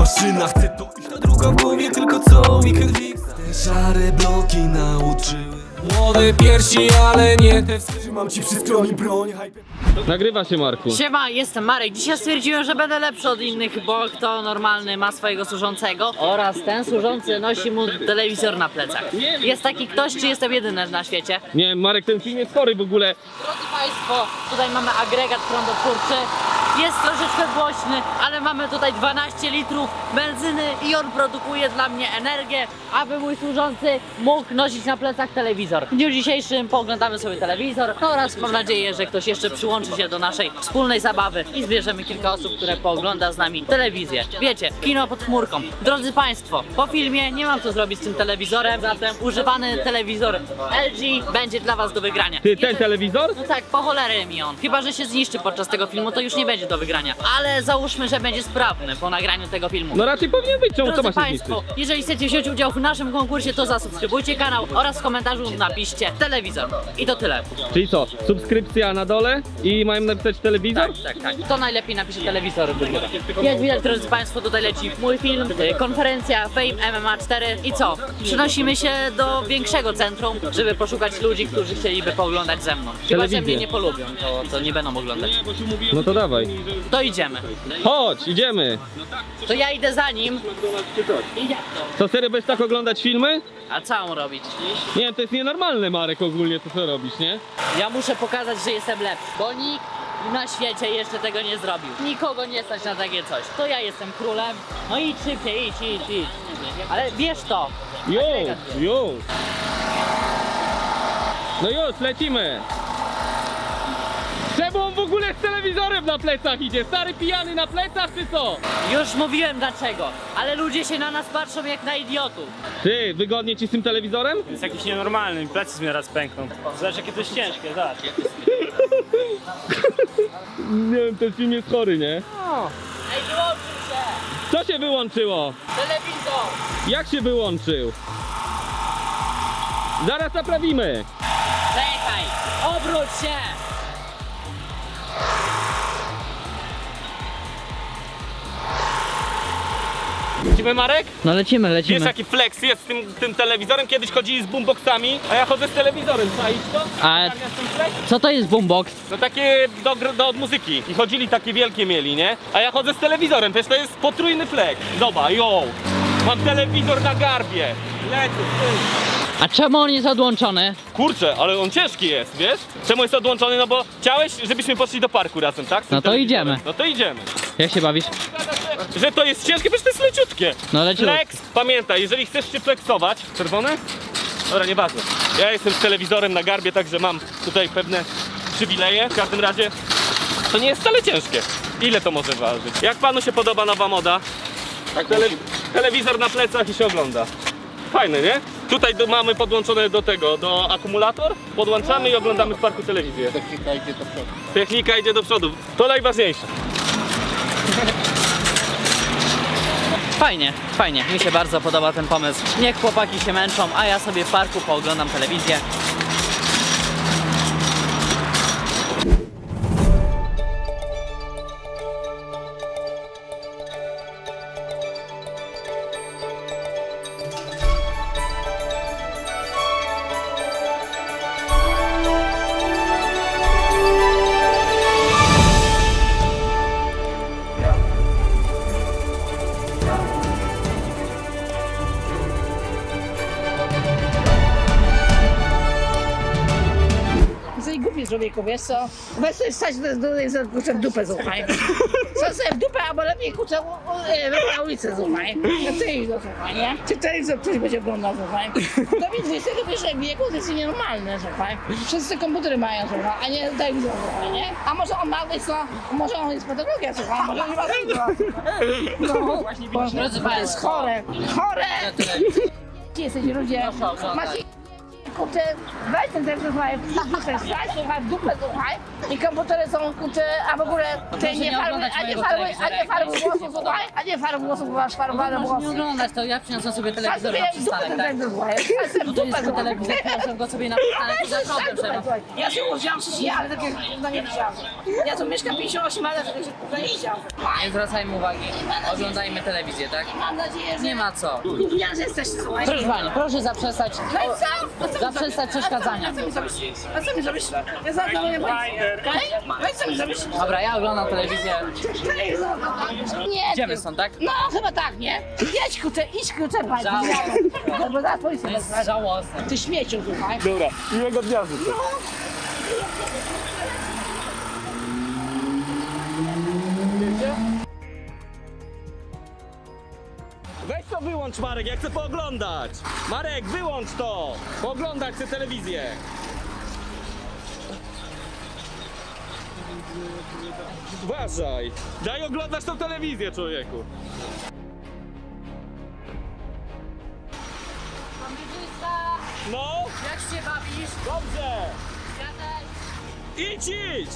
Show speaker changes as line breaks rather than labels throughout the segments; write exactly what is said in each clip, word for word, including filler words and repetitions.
maszyna, chcę to iść. Ta druga w głowie, tylko co mi krwi. Te szare bloki nauczyły. Młode piersi, ale nie te. Trzymam ci przy skroni broń.
Nagrywa się, Marku.
Siema, jestem Marek. Dzisiaj stwierdziłem, że będę lepszy od innych, bo kto normalny ma swojego służącego oraz ten służący nosi mu telewizor na plecach. Jest taki ktoś, czy jestem jedyny na świecie?
Nie, Marek, ten film jest chory w ogóle.
Drodzy Państwo, tutaj mamy agregat prądotwórczy. Jest troszeczkę głośny, ale mamy tutaj dwanaście litrów benzyny i on produkuje dla mnie energię, aby mój służący mógł nosić na plecach telewizor. W dniu dzisiejszym pooglądamy sobie telewizor oraz mam nadzieję, że ktoś jeszcze przyłączy się do naszej wspólnej zabawy i zbierzemy kilka osób, które poogląda z nami telewizję. Wiecie, kino pod chmurką. Drodzy Państwo, po filmie nie mam co zrobić z tym telewizorem, zatem używany telewizor L G będzie dla Was do wygrania.
Ty, ten telewizor?
No tak, po cholerę mi on. Chyba że się zniszczy podczas tego filmu, to już nie będzie do wygrania. Ale załóżmy, że będzie sprawny po nagraniu tego filmu.
No raczej powinien być, czemu to ma
Drodzy
się
Państwo,
zniszczyć?
jeżeli chcecie wziąć udział w naszym konkursie, to zasubskrybujcie kanał oraz w komentarzu napiszcie telewizor. I to tyle.
Czyli co, subskrypcja na dole i mają napisać telewizor?
Tak, tak, tak. Kto najlepiej napisze telewizor, wygrywa. Jak widać, drodzy Państwo, tutaj leci mój film, y, konferencja Fame M M A cztery i co? Przenosimy się do większego centrum, żeby poszukać ludzi, którzy chcieliby pooglądać ze mną. Chyba, że
Telewizję.
mnie nie polubią, to, to nie będą oglądać.
No to dawaj.
To idziemy.
Chodź, idziemy.
To ja idę za nim. I jak to?
Co, serio będziesz tak oglądać filmy?
A co mam robić?
Nie, to jest nienormalne, Marek, ogólnie to co robisz, nie?
Ja muszę pokazać, że jestem lepszy, bo nikt na świecie jeszcze tego nie zrobił. Nikogo nie stać na takie coś. To ja jestem królem. No idź szybciej, idź, idź, idź. Ale bierz to.
Już, już. No już, lecimy. Czemu on w ogóle z telewizorem na plecach idzie? Stary pijany na plecach, czy co?
Już mówiłem dlaczego, ale ludzie się na nas patrzą jak na idiotów.
Ty, wygodnie ci z tym telewizorem?
Jest jakiś nienormalny, mi plecy mi raz pękną. Zobacz jakie to jest ciężkie, zobacz.
Nie wiem, ten film jest chory, nie?
Ej, wyłączył się!
Co się wyłączyło?
Telewizor!
Jak się wyłączył? Zaraz naprawimy.
Czekaj! Obróć się!
Lecimy, Marek?
No lecimy,
Wiesz
lecimy.
jaki flex jest z tym, tym telewizorem? Kiedyś chodzili z boomboxami, a ja chodzę z telewizorem. Czaisz to?
A-
Zamiast ten flex?
Co to jest boombox?
No takie do, gr- do od muzyki. I chodzili takie wielkie mieli, nie? A ja chodzę z telewizorem, przecież to jest potrójny flex. Zobacz, yo! Mam telewizor na garbie. Lecę, ty.
A czemu on jest odłączony?
Kurczę, ale on ciężki jest, wiesz? Czemu jest odłączony? No bo chciałeś, żebyśmy poszli do parku razem, tak? Z tym
No to
telewizorem.
idziemy.
No to idziemy.
Jak się bawisz?
Że to jest ciężkie, przecież to jest leciutkie.
No leciutko.
Flex, pamiętaj, jeżeli chcesz się flexować. Czerwone? Dobra, nieważne. Ja jestem z telewizorem na garbie, także mam tutaj pewne przywileje. W każdym razie to nie jest wcale ciężkie. Ile to może ważyć? Jak panu się podoba nowa moda? Tele telewizor na plecach i się ogląda. Fajne, nie? Tutaj do, mamy podłączone do tego, do akumulator. Podłączamy i oglądamy w parku telewizję.
Technika idzie do przodu.
Technika idzie do przodu. To najważniejsze.
Fajnie, fajnie. Mi się bardzo podoba ten pomysł. Niech chłopaki się męczą, a ja sobie w parku pooglądam telewizję.
Jesteś głupi człowieku, wiesz co? Weź sobie wstać do, do, do, kurczę w dupę, słuchaj. Co sobie w dupę, albo lepiej kurczę u- u- e, na ulicę, słuchaj. No ty idź do słuchaj, nie? Czy telewizor ktoś będzie oglądał, słuchaj? To mi dwudziestego pierwszego wieku to jest nienormalne, słuchaj. Wszyscy komputery mają, słuchaj, a nie telewizor, słuchaj, nie? A może on ma, wiesz co? Może on jest patologia, słuchaj, może nie ma tego. No,
Drodzy
to jest chore, chore! Ci jesteś ludzie, macie kurczę, weź ten telewizor, słuchaj, w dupę wstać, słuchaj, w dupę, słuchaj. I komputery są, kurczę, a w ogóle te
proszę
nie
nie
farby,
oglądać
a nie
mojego
farby, a
telewizora,
nie
jak
farby
nie
włosów, słuchaj, a nie farby włosów, bo masz farbowane
Możesz nie
włosy.
oglądać, to ja przyniosę sobie
Patrz
telewizor
sobie
na
jak w dupę
przystanek,
ten
tak?
telewizor, słuchaj. Patrz sobie w
No to
dupę,
jest
słuchaj.
telewizor, przyniosę go sobie na przystanek i za problem
Słuchaj,
trzeba.
słuchaj, ja się urodziłam w ja, ale takiego no nie widziałam. Ja tu mieszkam pięćdziesiąt osiem lat, że to nie widziałam.
Nie zwracajmy uwagi, oglądajmy telewizję, tak?
Mam nadzieję, że
Nie ma co.
gówniarze że jesteście, słuchaj.
Proszę pani, proszę zaprzestać,
No i co? A co mi
zaprzestać
zrobisz?
przeszkadzania.
A co mi zrobisz? A co mi zrobisz? Ja zaraz dzwonię policję, okej? No i co mi zrobisz?
Dobra, ja oglądam telewizję.
Nie.
Idziemy
ty.
stąd, tak?
No chyba tak, nie? Jedź kurczę, idź kurczę, pani.
Żałosne.
No bo zaraz policję
To jest
wezmę.
żałosne.
Ty śmieciu, słuchaj.
Dobra, miłego dnia życzę. Weź to wyłącz, Marek, ja chcę pooglądać. Marek, wyłącz to. Pooglądać chcę telewizję. Uważaj. Daj oglądać tą telewizję, człowieku.
Kamerzysta,
No,
jak się bawisz?
dobrze.
Ja też.
Idź, idź.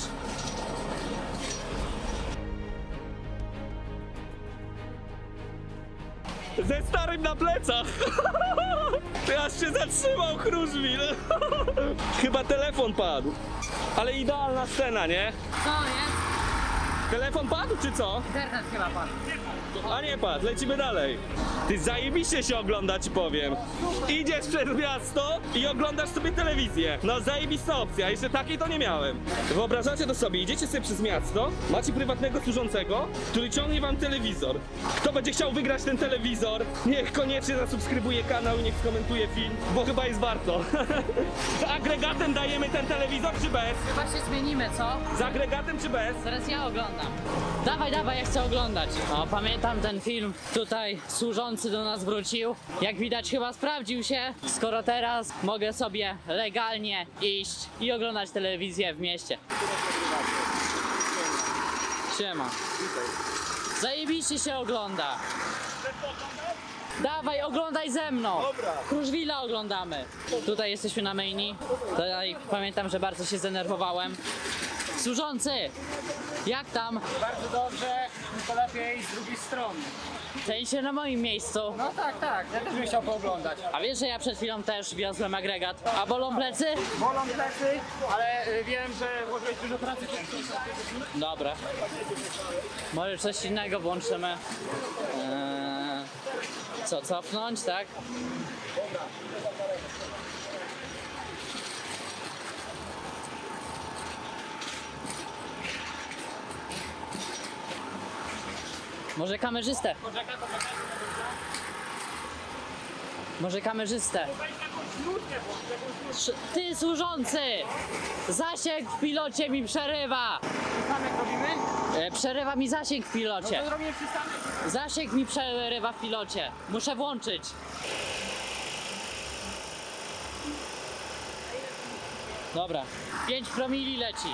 Ze starym na plecach. Ty aż się zatrzymał, Kruszwil. Chyba telefon padł. Ale idealna scena, nie?
Co jest?
Telefon padł, czy co?
Internet chyba pan.
A nie padł, lecimy dalej. Ty zajebiście się ogląda, ci powiem. Idziesz przez miasto i oglądasz sobie telewizję. No zajebista opcja, jeszcze takiej to nie miałem. Wyobrażacie to sobie, idziecie sobie przez miasto, macie prywatnego służącego, który ciągnie wam telewizor. Kto będzie chciał wygrać ten telewizor, niech koniecznie zasubskrybuje kanał i niech skomentuje film, bo chyba jest warto. Z agregatem dajemy ten telewizor, czy bez?
Chyba się zmienimy, co?
Z agregatem, czy bez?
Teraz ja oglądam. Dawaj, dawaj, ja chcę oglądać. O, pamiętam ten film. Tutaj służący do nas wrócił. Jak widać chyba sprawdził się, skoro teraz mogę sobie legalnie iść i oglądać telewizję w mieście. Siema. Zajebiście się ogląda. Dawaj, oglądaj ze mną.
Dobra.
Kruszwila oglądamy. Tutaj jesteśmy na maini. Tutaj pamiętam, że bardzo się zdenerwowałem. Służący! Jak tam?
Bardzo dobrze, tylko lepiej z drugiej strony.
W sensie na moim miejscu.
No tak, tak, ja też bym chciał pooglądać.
A wiesz, że ja przed chwilą też wiozłem agregat. A bolą plecy?
Bolą plecy, ale y, wiem, że włożyłeś dużo pracy.
Dobra. Może coś innego włączymy. Eee, co, cofnąć, tak? Może kamerzystę? Może kamerzystę? Sz- Ty służący! Zasięg w pilocie mi przerywa!
Sam jak robimy?
E, przerywa mi zasięg w pilocie.
To zrobimy przystanek.
Zasięg mi przerywa w pilocie. Muszę włączyć. Dobra. pięć promili leci.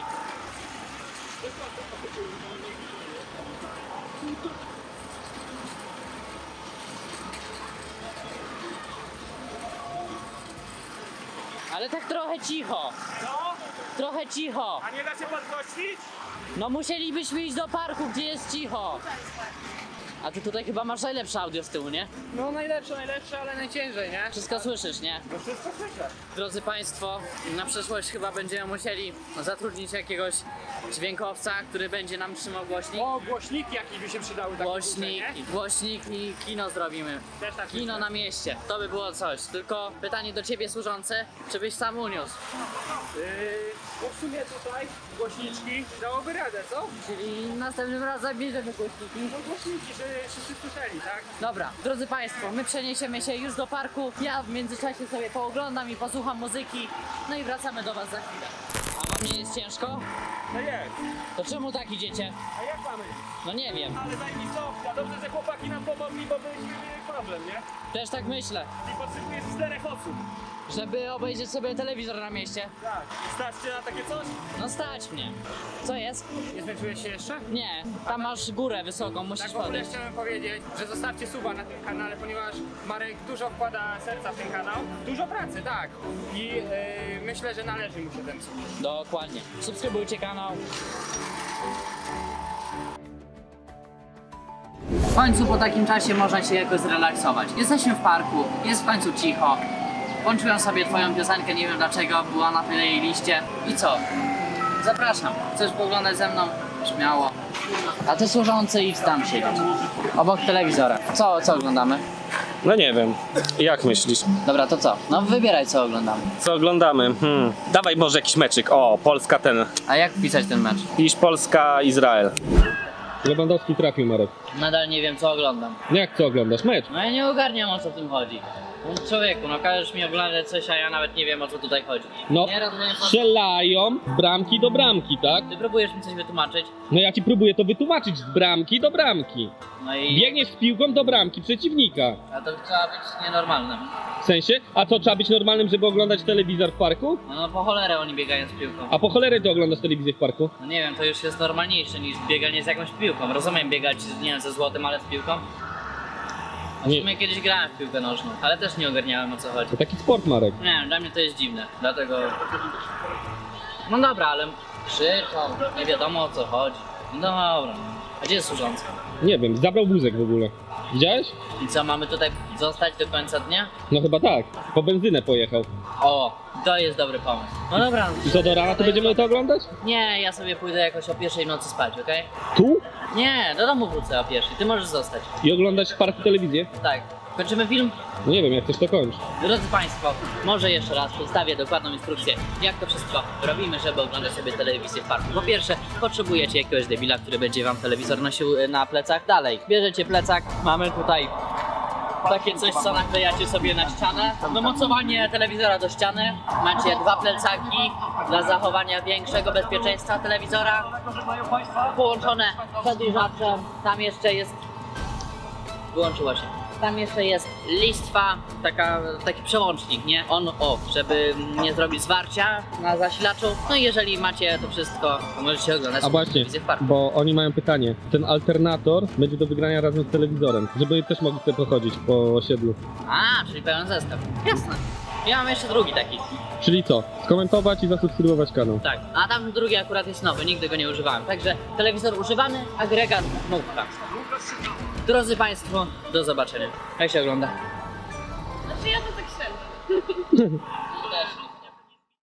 Ale tak trochę cicho.
Co?
Trochę cicho.
A nie da się podgłośnić?
No musielibyśmy iść do parku, gdzie jest cicho. A ty tutaj chyba masz najlepsze audio z tyłu, nie?
No najlepsze, najlepsze, ale najciężej, nie?
Wszystko słyszysz, nie?
No wszystko słyszę.
Drodzy Państwo, na przyszłość chyba będziemy musieli zatrudnić jakiegoś dźwiękowca, który będzie nam trzymał głośnik.
O, głośniki jakieś by się przydały. takie
Głośnik,
duże, nie?
głośnik i kino zrobimy.
Też tak
Kino
myślę.
na mieście. To by było coś. Tylko pytanie do Ciebie służący, czy byś sam uniósł?
Yy, bo w sumie tutaj głośniczki dałoby radę, co?
Czyli następnym razem bierzemy głośniki.
No głośniki, żeby wszyscy słyszeli, tak?
Dobra, drodzy Państwo, my przeniesiemy się już do parku. Ja w międzyczasie sobie pooglądam i posłucham muzyki. No i wracamy do Was za chwilę. Nie jest ciężko?
No jest.
To czemu tak idziecie?
A jak mamy?
No nie wiem.
Ale zajebista opcja. Dobrze, że chłopaki nam pomogli, bo byśmy mieli problem, nie?
Też tak myślę.
I potrzebujesz czterech osób.
Żeby obejrzeć sobie telewizor na mieście.
Tak. Stać cię na takie coś?
No stać mnie. Co jest?
Nie zmęczyłeś się jeszcze?
Nie, tam masz górę wysoką, musisz
Tak w ogóle
podejść.
chciałem powiedzieć, że zostawcie suba na tym kanale, ponieważ Marek dużo wkłada serca w ten kanał. Dużo pracy, tak. I yy, myślę, że należy mu się ten sub.
Dokładnie. Subskrybujcie kanał. W końcu po takim czasie można się jakoś zrelaksować. Jesteśmy w parku, jest w końcu cicho. Włączyłem sobie twoją piosenkę, nie wiem dlaczego, była na playliście. I co? Zapraszam. Chcesz pooglądać ze mną? Śmiało. A ty służący idź tam siedzieć. Obok telewizora. Co, co oglądamy?
No nie wiem. Jak myślisz?
Dobra, to co? No wybieraj co oglądamy.
Co oglądamy? Hmm. Dawaj może jakiś meczyk. O, Polska ten.
A jak wpisać ten mecz?
Pisz Polska, Izrael.
Lewandowski trafił, Marek.
Nadal nie wiem co oglądam.
Jak co oglądasz? Mecz?
No ja nie ogarniam o co w tym chodzi. No człowieku, no każesz mi oglądać coś, a ja nawet nie wiem o co tutaj chodzi.
No,
Nie rozumiem, po...
strzelają z bramki do bramki, tak?
Ty próbujesz mi coś wytłumaczyć?
No ja ci próbuję to wytłumaczyć, z bramki do bramki.
No i...
Biegniesz z piłką do bramki przeciwnika.
A to trzeba być nienormalnym.
W sensie? A co, trzeba być normalnym, żeby oglądać telewizor w parku?
No, no po cholerę oni biegają z piłką.
A po cholerę ty oglądasz telewizję w parku?
No nie wiem, to już jest normalniejsze niż bieganie z jakąś piłką. Rozumiem biegać, nie wiem, ze złotem, ale z piłką. A w
Nie.
sumie kiedyś grałem w piłkę nożną, ale też nie ogarniałem o co chodzi.
To taki sport, Marek.
Nie wiem, dla mnie to jest dziwne, dlatego... No dobra, ale krzyczą, nie wiadomo o co chodzi. No dobra, a gdzie jest służący?
Nie wiem, zabrał wózek w ogóle. Widziałeś?
I co, mamy tutaj zostać do końca dnia?
No chyba tak. Po benzynę pojechał.
O, to jest dobry pomysł. No dobra.
I co, do rana to będziemy to oglądać?
Nie, ja sobie pójdę jakoś o pierwszej w nocy spać, okej?
Tu?
Nie, do domu wrócę o pierwszej, ty możesz zostać.
I oglądać w parku telewizję?
Tak. Kończymy film?
No nie wiem, jak chcesz to kończ.
Drodzy Państwo, może jeszcze raz przedstawię dokładną instrukcję, jak to wszystko robimy, żeby oglądać sobie telewizję w parku. Po pierwsze, potrzebujecie jakiegoś debila, który będzie Wam telewizor nosił e, na plecach. Dalej, bierzecie plecak, mamy tutaj takie coś, co naklejacie sobie na ścianę. Domocowanie telewizora do ściany. Macie dwa plecaki dla zachowania większego bezpieczeństwa telewizora. Połączone przedłużaczem. Tam jeszcze jest... Wyłączyło się. Tam jeszcze jest listwa, taka, taki przełącznik, nie? On-off, żeby nie zrobić zwarcia na zasilaczu. No i jeżeli macie to wszystko, to możecie oglądać
A właśnie,
telewizję w parku.
bo oni mają pytanie. Ten alternator będzie do wygrania razem z telewizorem, żeby też mogli sobie pochodzić po osiedlu.
A, czyli pełen zestaw. Jasne. Ja mam jeszcze drugi taki.
Czyli co? Skomentować i zasubskrybować kanał.
Tak. A tam drugi akurat jest nowy, nigdy go nie używałem. Także telewizor używany, agregat nówka. Drodzy Państwo, do zobaczenia. Jak się ogląda?
Znaczy ja to tak średnio.